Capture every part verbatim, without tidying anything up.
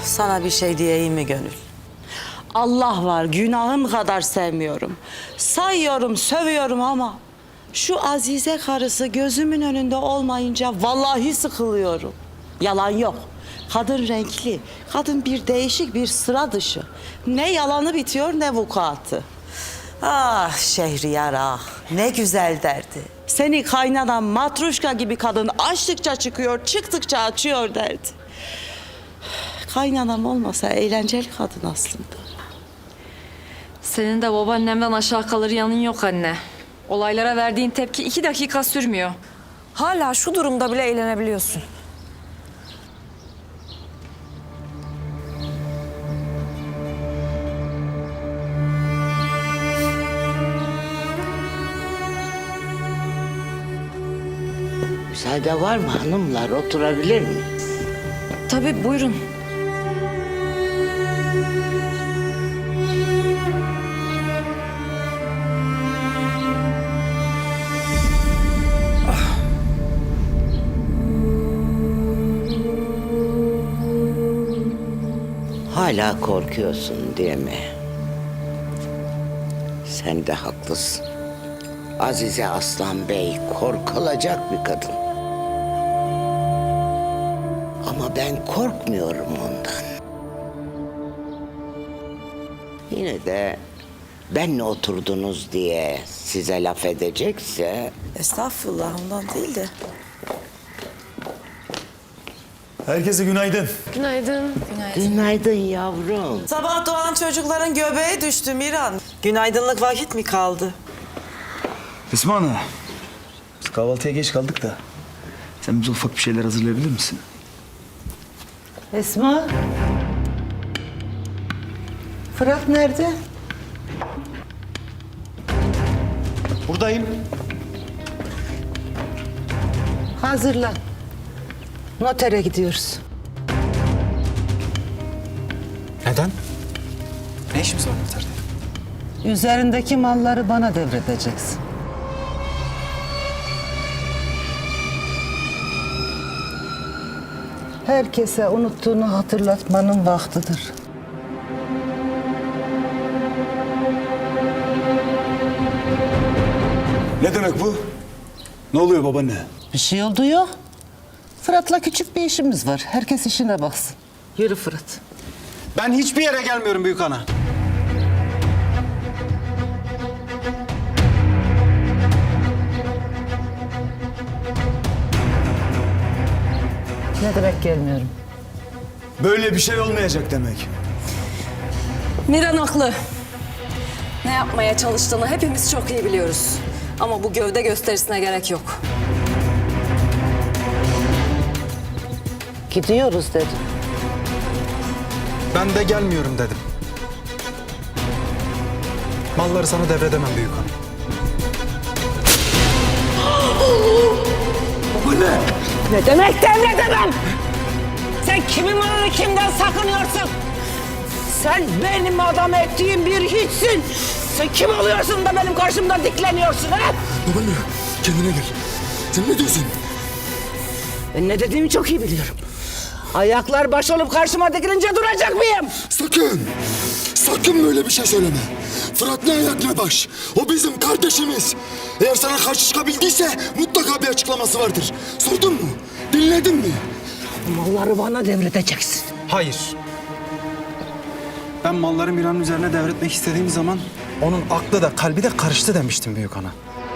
Sana bir şey diyeyim mi Gönül? Allah var, günahım kadar sevmiyorum. Sayıyorum, sövüyorum ama şu Azize karısı gözümün önünde olmayınca vallahi sıkılıyorum. Yalan yok. Kadın renkli, kadın bir değişik, bir sıra dışı. Ne yalanı bitiyor ne vukuatı. Ah Şehriyar ah, ne güzel derdi. Seni kaynanan matruşka gibi kadın açtıkça çıkıyor, çıktıkça açıyor derdi. Kaynanam olmasa eğlenceli kadın aslında. Senin de babaannemden aşağı kalır yanın yok anne. Olaylara verdiğin tepki iki dakika sürmüyor. Hala şu durumda bile eğlenebiliyorsun. Müsaade var mı hanımlar? Oturabilir mi? Tabii buyurun. Hala korkuyorsun değil mi? Sen de haklısın. Azize Aslan Bey korkulacak bir kadın. Ama ben korkmuyorum ondan. Yine de benle oturdunuz diye size laf edecekse... Estağfurullah, ondan değil de. Herkese günaydın. Günaydın. Günaydın yavrum. Sabah doğan çocukların göbeğe düştü Miran. Günaydınlık vakit mi kaldı? Esma Ana, biz kahvaltıya geç kaldık da sen bize ufak bir şeyler hazırlayabilir misin? Esma. Fırat nerede? Buradayım. Hazırlan. Notere gidiyoruz. Neden? Ne işimiz var noterde? Üzerindeki malları bana devredeceksin. Herkese unuttuğunu hatırlatmanın vaktidir. Ne demek bu? Ne oluyor babaanne? Bir şey oldu yok. Fırat'la küçük bir işimiz var. Herkes işine baksın. Yürü Fırat. Ben hiçbir yere gelmiyorum büyük ana. Ne demek gelmiyorum? Böyle bir şey olmayacak demek. Miran haklı. Ne yapmaya çalıştığını hepimiz çok iyi biliyoruz. Ama bu gövde gösterisine gerek yok. Gidiyoruz dedim. Ben de gelmiyorum dedim. Malları sana devredemem büyük hanım. Ne demek devredemem? Sen kimin malını kimden sakınıyorsun? Sen benim adam ettiğim bir hiçsin. Sen kim oluyorsun da benim karşımda dikleniyorsun ha? Babaanne kendine gel. Sen ne diyorsun? Ben ne dediğimi çok iyi biliyorum. Ayaklar baş olup karşıma dikilince duracak mıyım? Sakın! Sakın böyle bir şey söyleme. Fırat ne ayak ne baş. O bizim kardeşimiz. Eğer sana karşı çıkabildiyse mutlaka bir açıklaması vardır. Sordun mu? Dinledin mi? Malları bana devredeceksin. Hayır. Ben malları Miran'ın üzerine devretmek istediğim zaman onun aklı da kalbi de karıştı demiştim büyük ana.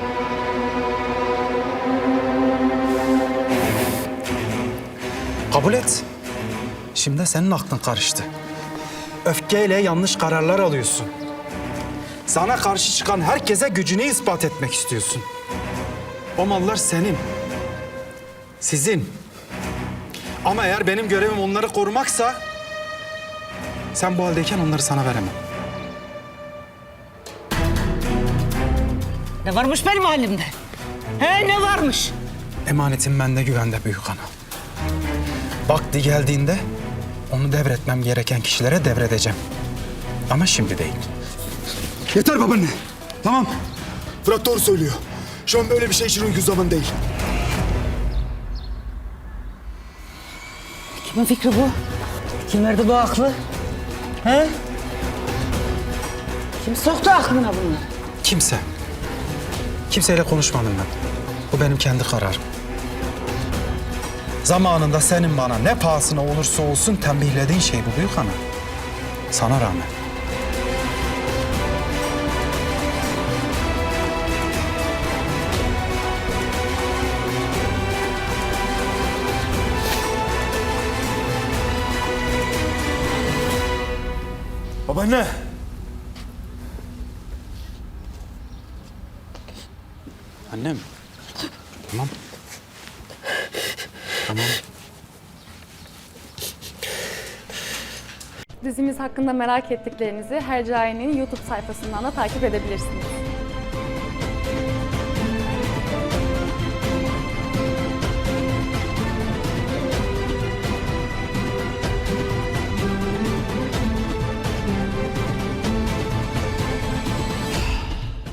Kabul et. Şimdi senin aklın karıştı. Öfkeyle yanlış kararlar alıyorsun. Sana karşı çıkan herkese gücünü ispat etmek istiyorsun. O mallar senin. Sizin. Ama eğer benim görevim onları korumaksa... sen bu haldeyken onları sana veremem. Ne varmış benim halimde? He ne varmış? Emanetim bende, güvende büyük ana. Vakti geldiğinde onu devretmem gereken kişilere devredeceğim. Ama şimdi değil. Yeter babaanne. Tamam. Fırat doğru söylüyor. Şu an böyle bir şey için uygun zaman değil. Kimin fikri bu? Kim verdi bu aklı? He? Kim soktu aklına bunu? Kimse. Kimseyle konuşmadım ben. Bu benim kendi kararım. Zamanında senin bana ne pahasına olursa olsun tembihlediğin şey bu büyük ana. Sana rağmen. Babaanne. Annem. Tamam. Tamam. Dizimiz hakkında merak ettiklerinizi Hercai'nin YouTube sayfasından da takip edebilirsiniz.